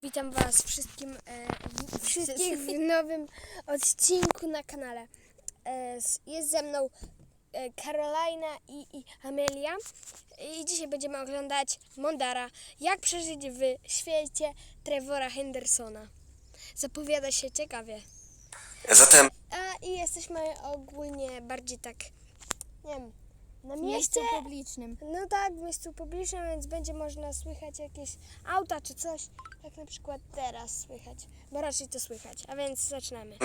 Witam Was wszystkich w nowym odcinku na kanale. Jest ze mną Karolina i Amelia i dzisiaj będziemy oglądać Mondara. Jak przeżyć w świecie Trevora Hendersona. Zapowiada się ciekawie. Zatem I jesteśmy ogólnie bardziej tak, nie wiem, na W mieście miejscu publicznym. No tak, w miejscu publicznym, więc będzie można słychać jakieś auta czy coś, jak na przykład teraz słychać, bo raczej to słychać, a więc zaczynamy.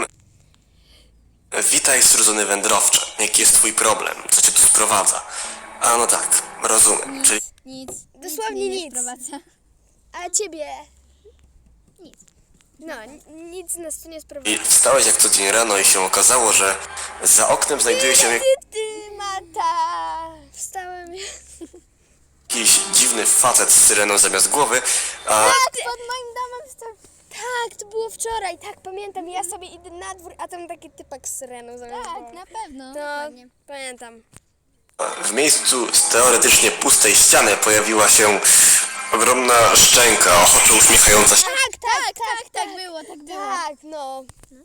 witaj, strudzony wędrowcze. Jaki jest twój problem? Co cię tu sprowadza? A no tak, rozumiem. Czyli Nic. Dosłownie mnie nie nic. sprowadza. A ciebie? Nic. No, nic nas tu nie sprowadza. wstałeś jak co dzień rano i się okazało, że za oknem znajduje się Ty, Mata! Wstałem. jakiś dziwny facet z syreną zamiast głowy, a Pod moim domem stał. Tak, to było wczoraj, tak pamiętam, ja sobie idę na dwór, a tam taki typak z syreną zamiast Tak, głowy. na pewno. No, Dokładnie. pamiętam. w miejscu z teoretycznie pustej ściany pojawiła się ogromna szczęka, ochoczo uśmiechająca się. Tak było, tak było. Tak, no.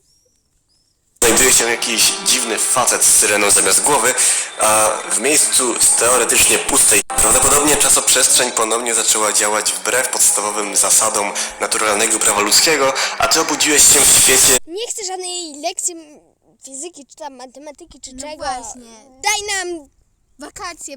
Znajduje się jakiś dziwny facet z syreną zamiast głowy, a w miejscu z teoretycznie pustej. Prawdopodobnie czasoprzestrzeń ponownie zaczęła działać wbrew podstawowym zasadom naturalnego prawa ludzkiego, a ty obudziłeś się w świecie Nie chcę żadnej lekcji fizyki, czy tam matematyki, czy No czego. właśnie. Daj nam... Wakacje.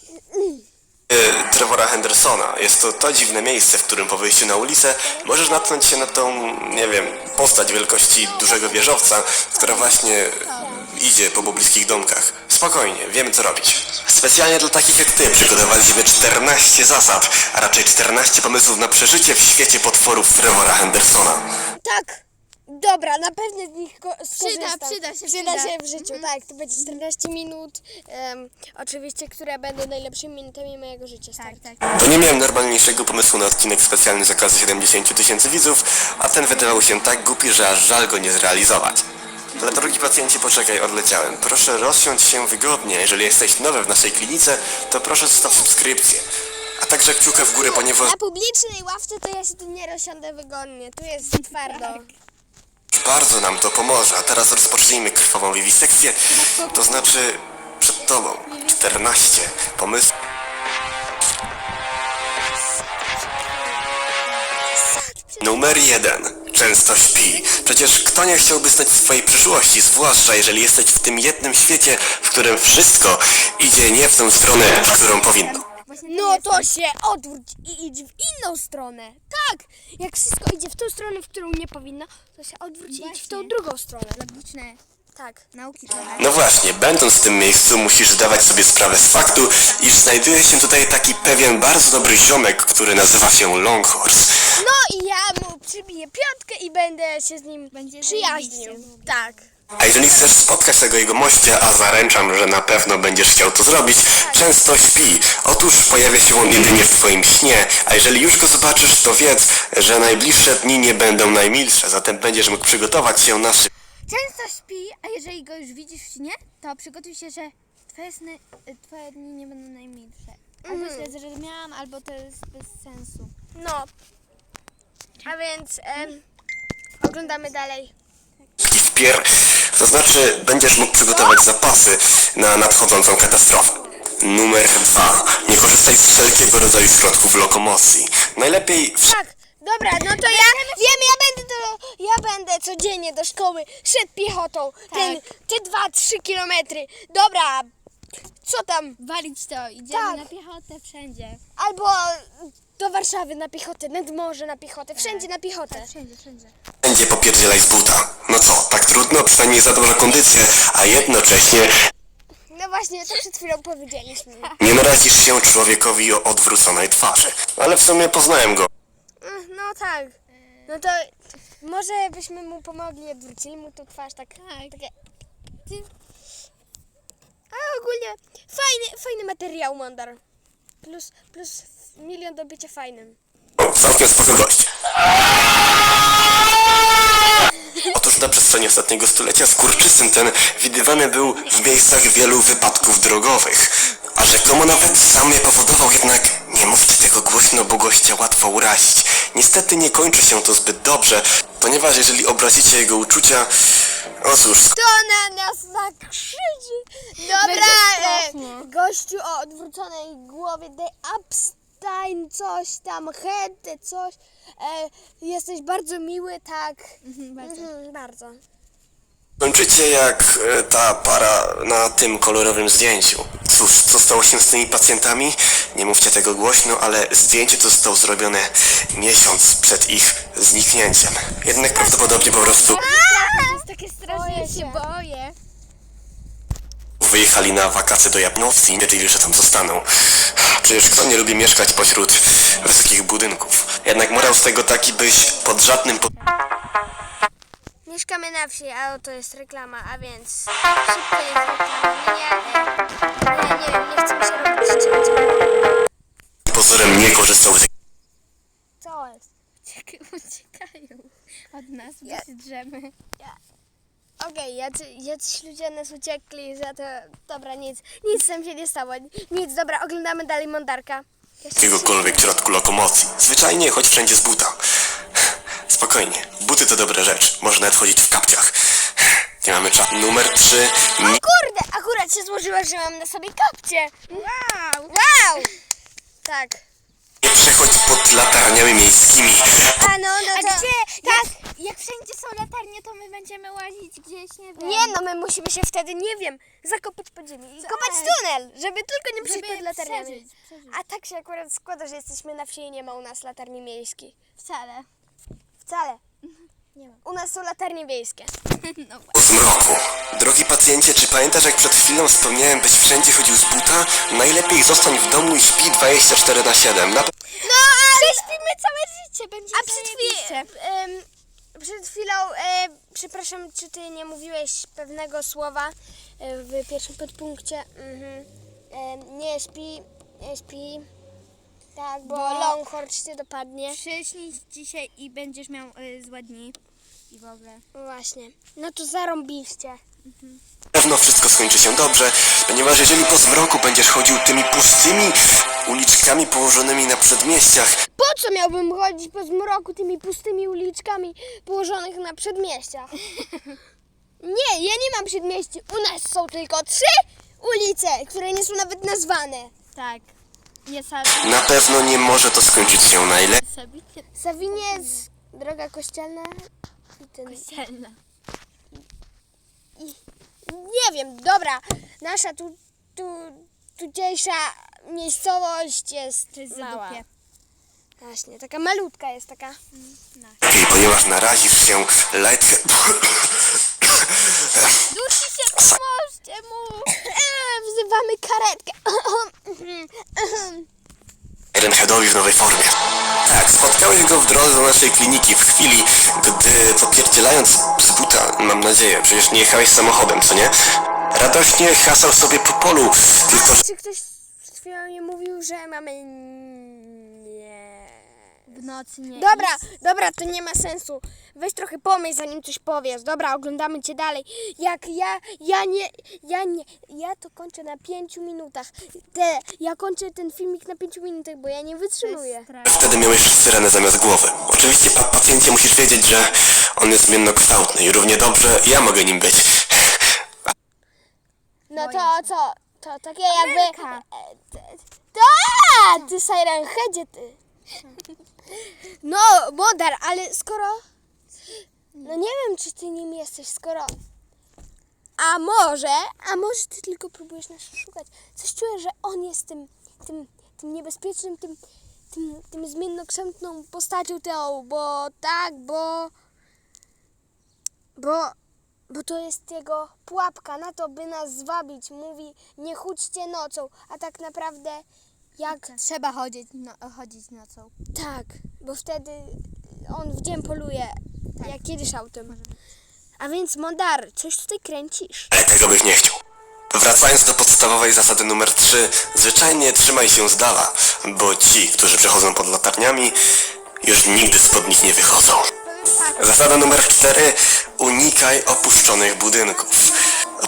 Trevora Hendersona. Jest to dziwne miejsce, w którym po wyjściu na ulicę możesz natknąć się na tą, nie wiem, postać wielkości dużego wieżowca, która właśnie idzie po pobliskich domkach. Spokojnie, wiemy co robić. Specjalnie dla takich jak ty przygotowaliśmy 14 zasad, a raczej 14 pomysłów na przeżycie w świecie potworów Trevora Hendersona. Tak! Dobra, na pewno z nich skorzystam. Przyda się. W życiu, tak. To będzie 14 minut, oczywiście, które będą najlepszymi minutami mojego życia. Tak, stary. tak. To nie miałem normalniejszego pomysłu na odcinek specjalny z okazji 70 000 widzów, a ten wydawał się tak głupi, że aż żal go nie zrealizować. Ale drogi pacjencie, poczekaj, odleciałem. Proszę rozsiądź się wygodnie. Jeżeli jesteś nowy w naszej klinice, to proszę zostaw subskrypcję. A także kciukę w górę, ponieważ Na publicznej ławce to ja się tu nie rozsiądę wygodnie. Tu jest twardo. bardzo nam to pomoże. A teraz rozpocznijmy krwawą wiwisekcję. To znaczy przed tobą 14 pomysłów. Numer 1. Często śpi. Przecież kto nie chciałby znać swojej przyszłości, zwłaszcza jeżeli jesteś w tym jednym świecie, w którym wszystko idzie nie w tę stronę, w którą powinno. Właśnie No to się odwróć i idź w inną stronę. Tak! Jak wszystko idzie w tą stronę, w którą nie powinno, to się odwróć i idź w tą Właśnie. drugą stronę. logiczne Tak. nauki trochę. No właśnie, będąc w tym miejscu musisz zdawać sobie sprawę z faktu, iż znajduje się tutaj taki pewien bardzo dobry ziomek, który nazywa się Longhorse. No i ja mu przybiję piątkę i będę się z nim Będzie przyjaźnił. zajebiście. Tak. A jeżeli chcesz spotkać tego jego mościa, a zaręczam, że na pewno będziesz chciał to zrobić, często śpi. Otóż pojawia się on jedynie w twoim śnie, a jeżeli już go zobaczysz, to wiedz, że najbliższe dni nie będą najmilsze, zatem będziesz mógł przygotować się na szybko. Często śpi, a jeżeli go już widzisz w śnie, to przygotuj się, że twoje dni nie będą najmilsze. Albo źle zrozumiałam, albo to jest bez sensu. No. A więc oglądamy dalej. To znaczy będziesz mógł przygotować zapasy na nadchodzącą katastrofę. Numer 2. Nie korzystaj z wszelkiego rodzaju środków lokomocji. Najlepiej Tak, dobra, no to ja wiem, ja będę codziennie do szkoły szedł piechotą. Te 2-3 kilometry. Dobra, co tam? Walić to, idziemy Tak. na piechotę wszędzie. Albo do Warszawy na piechotę, nad morze na piechotę, wszędzie na piechotę. Wszędzie, wszędzie. będzie popierdzielaj z buta. No co, tak trudno? Przynajmniej za dobrą kondycję, a jednocześnie No właśnie, to przed chwilą powiedzieliśmy. nie narazisz się człowiekowi o odwróconej twarzy. Ale w sumie poznałem go. No tak. No to może byśmy mu pomogli, odwrócili mu tą twarz tak. Takie. A ogólnie fajny materiał, Mondar. Plus milion do bycia fajnym. Całkiem spoko gość. Otóż na przestrzeni ostatniego stulecia skurczysyn ten widywany był w miejscach wielu wypadków drogowych. A rzekomo nawet sam je powodował, jednak nie mówcie tego tego głośno, bo gościa łatwo urazić. Niestety nie kończy się to zbyt dobrze, ponieważ jeżeli obrazicie jego uczucia, o cóż, To na nas nakrzyczy. Dobra, strasznie. gościu o odwróconej głowie, daj Epstein, coś tam, head, coś. Jesteś bardzo miły, tak. Bardzo. Bardzo. skończycie jak ta para na tym kolorowym zdjęciu. Cóż, co stało się z tymi pacjentami? Nie mówcie tego głośno, ale zdjęcie to zostało zrobione miesiąc przed ich zniknięciem. Jednak prawdopodobnie po prostu To jest takie straszne, ja się boję. wyjechali na wakacje do Japonii i wiedzieli, że tam zostaną. Przecież kto nie lubi mieszkać pośród wysokich budynków? Jednak morał z tego taki, byś pod żadnym Mieszkamy na wsi, a oto jest reklama, a więc szybko jest reklama. Nie wiem, nie chcę mi się robić cięcia. pozorem nie korzystał z Co jest? Uciekają od nas, bo się drzemy. Okej, jacyś ludzie nas uciekli za to... Dobra, nic tam się nie stało. Nic, dobra, oglądamy dalej Mondarka. jakiegokolwiek środku lokomocji. Zwyczajnie chodź wszędzie z buta. Spokojnie, buty to dobra rzecz. Można nawet chodzić w kapciach. Nie mamy czasu. Numer 3. Kurde, akurat się złożyło, że mam na sobie kapcie. Wow! Tak. Nie przechodź pod latarniami miejskimi. No A to... gdzie? Tak. Jak wszędzie są latarnie, to my będziemy łazić gdzieś, nie wiem. Nie no, my musimy się wtedy, nie wiem, zakopać pod ziemię i kopać tunel, żeby tylko nie przyjść pod latarniami. przeżyć. A tak się akurat składa, że jesteśmy na wsi i nie ma u nas latarni miejskiej. Wcale. Wcale. Nie ma. U nas są latarnie wiejskie. No właśnie. Po zmroku. Drogi pacjencie, czy pamiętasz, jak przed chwilą wspomniałem, byś wszędzie chodził z buta? Najlepiej zostań w domu i śpi 24/7. No ale... Śpimy całe życie, będzie A przed chwilą, przepraszam, czy ty nie mówiłeś pewnego słowa w pierwszym podpunkcie? Nie śpi. Tak, bo Longhorn cię dopadnie. Przyśnij dzisiaj i będziesz miał złe dni. I w ogóle. Właśnie. No to zarąbiście. Na pewno wszystko skończy się dobrze, ponieważ jeżeli po zmroku będziesz chodził tymi pustymi uliczkami położonymi na przedmieściach, Po co miałbym chodzić po zmroku tymi pustymi uliczkami położonych na przedmieściach? Nie, ja nie mam przedmieści. U nas są tylko 3 ulice, które nie są nawet nazwane. Tak. Nie na pewno nie może to skończyć się najlepiej. sabicie Sawiniec, droga kościelna i ten... kościelna. Nie wiem, dobra. Nasza tutejsza miejscowość jest To jest mała. zadupie. Właśnie, taka malutka jest taka. Ponieważ narazisz się Dusi się, pomóżcie mu! Wzywamy karetkę. Ironheadowi w nowej formie. Tak, spotkałeś go w drodze do naszej kliniki w chwili, gdy popierdzielając z buta, mam nadzieję, przecież nie jechałeś samochodem, co nie? Radośnie hasał sobie po polu, tylko że Czy ktoś przed chwilą nie mówił, że mamy... Nie... W nocy nie Dobra, to nie ma sensu. Weź trochę pomyśl, zanim coś powiesz. Dobra, oglądamy cię dalej. Jak ja to kończę na 5 minutach. Ja kończę ten filmik na 5 minutach, bo ja nie wytrzymuję. wtedy miałeś syrenę zamiast głowy. Oczywiście, pacjencie, musisz wiedzieć, że on jest zmiennokształtny i równie dobrze ja mogę nim być. No to co? To takie jakby... Ameryka. Ty Siren Headzie, ty. No, Modar, ale skoro... No nie wiem, czy ty nim jesteś, skoro... A może ty tylko próbujesz nas szukać. Coś czuję, że on jest tym niebezpiecznym, tym zmiennokształtną postacią tą, bo tak, bo to jest jego pułapka na to, by nas zwabić. Mówi, nie chudźcie nocą, a tak naprawdę jak... Trzeba chodzić nocą. Tak, bo wtedy on w dzień poluje, jak jedziesz autem. A więc, Mondar, coś tutaj kręcisz. Ale tego byś nie chciał. Wracając do podstawowej zasady numer 3, zwyczajnie trzymaj się z dala, bo ci, którzy przechodzą pod latarniami, już nigdy spod nich nie wychodzą. Zasada numer 4, unikaj opuszczonych budynków.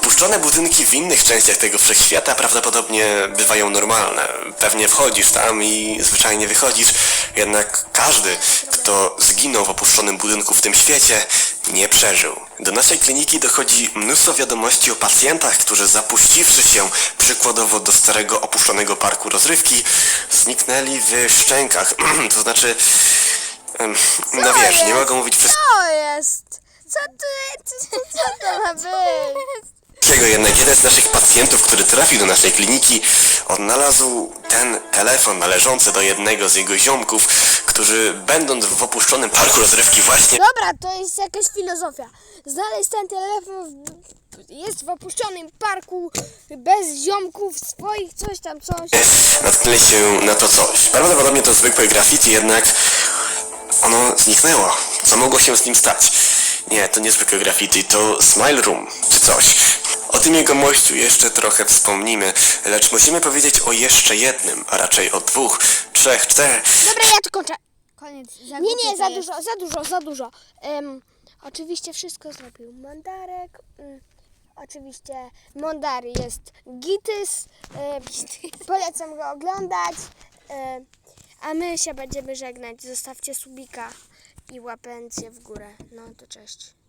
Opuszczone budynki w innych częściach tego wszechświata prawdopodobnie bywają normalne. Pewnie wchodzisz tam i zwyczajnie wychodzisz, jednak każdy, kto zginął w opuszczonym budynku w tym świecie, nie przeżył. Do naszej kliniki dochodzi mnóstwo wiadomości o pacjentach, którzy zapuściwszy się przykładowo do starego opuszczonego parku rozrywki, zniknęli w szczękach. To znaczy, no wiesz, nie mogą mówić przez Co jest? Co to ma być? Dlaczego jednak jeden z naszych pacjentów, który trafił do naszej kliniki, odnalazł ten telefon należący do jednego z jego ziomków, którzy będąc w opuszczonym parku rozrywki właśnie Dobra, to jest jakaś filozofia. Znaleźć ten telefon jest w opuszczonym parku bez ziomków swoich, coś tam, coś. natknęli się na to coś. Prawdopodobnie to zwykłe graffiti, jednak ono zniknęło. Co mogło się z nim stać? Nie, to nie zwykłe graffiti, to Smile Room, czy coś. O tym jegomościu jeszcze trochę wspomnimy, lecz musimy powiedzieć o jeszcze jednym, a raczej o 2, 3, 4. Dobra, ja tu kończę. Koniec. Nie, za dużo. Oczywiście wszystko zrobił Mondarek. Oczywiście Mondary jest Gitys. Polecam go oglądać. A my się będziemy żegnać. Zostawcie subika i łapęcie w górę. No to cześć.